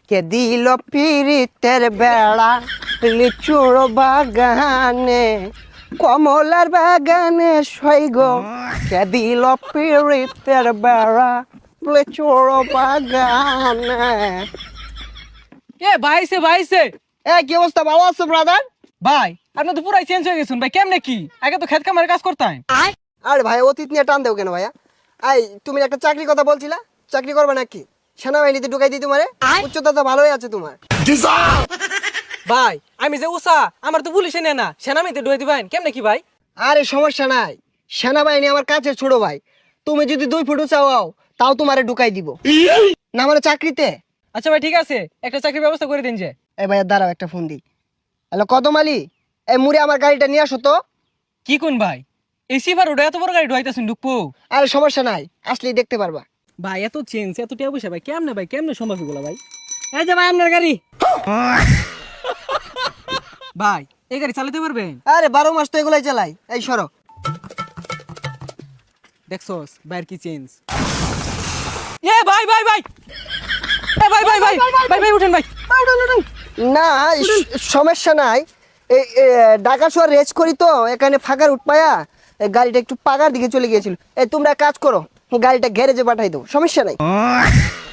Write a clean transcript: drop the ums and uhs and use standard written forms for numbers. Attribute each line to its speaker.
Speaker 1: কে দিল পিরিতের বেড়া লিচুর বাগানে কমলার বাগানে সৈগ কে দিল পিরিতের বেড়া লিচুর বাগানে।
Speaker 2: এ ভাইছে ভাইছে
Speaker 1: কি অবস্থা, ভালো আছো ব্রাদার?
Speaker 2: ভাই আপনি তো পুরাই চেঞ্জ হয়ে গেছেন ভাই, কেমনে কি? আগে তো খেত কামারে কাজ করতাম।
Speaker 1: আরে ভাই অতীত নিয়ে টান দেও কেন ভাইয়া? তুমি একটা চাকরির কথা বলছিলা, চাকরি করবে নাকি? সেনাবাহিনীতে ঢুকাই দিই তোমারে, উচ্চতা তো ভালোই আছে তোমার।
Speaker 2: ভাই আমি যে উষা, আমার তো পুলিশে নেয় না, সেনামিতে ঢুয়ে দিবেন কেমনে কি ভাই?
Speaker 1: আরে সমস্যা নাই, সেনাবাহিনী আমার কাছে ছোট ভাই। তুমি যদি 2 ফুট চাও তাও তোমারে ঢুকাই দিব না মানে চাকরিতে।
Speaker 2: আচ্ছা ভাই ঠিক আছে, একটা চাকরির ব্যবস্থা করে দিন যে।
Speaker 1: এই ভাইয়া দাঁড়াও, একটা ফোন দিই। হ্যালো কদম আলী, এই মুড়ে আমার গাড়িটা নিয়ে আসো তো।
Speaker 2: কি কোন ভাই, এই সিফার ওটা এত বড় গাড়ি ঢুয়াইতেছেন ঢুকবো?
Speaker 1: আরে সমস্যা নাই, আসলেই দেখতে পারবা।
Speaker 2: ভাই এত চেঞ্জ এত টিয়া পয়সা ভাই কেমনে সম্ভব এগুলো ভাই? এই যে ভাই আপনার গাড়ি। ভাই এই গাড়ি চালাতে পারবেন?
Speaker 1: আরে 12 মাস তো এগুলাই চালাই। এই সরো।
Speaker 2: দেখছস বাইর কি চেঞ্জ। এ ভাই ভাই ভাই এ ভাই ভাই ভাই ভাই ভাই উঠেন ভাই।
Speaker 1: না সমস্যা নাই, এই ঢাকা শহর রেস করি তো, এখানে ফাঁকার উঠপায়া গাড়িটা একটু পাকার দিকে চলে গিয়েছিল। এই তোমরা কাজ করো, গাড়িটা গ্যারেজে পাঠাই দাও, সমস্যা নাই।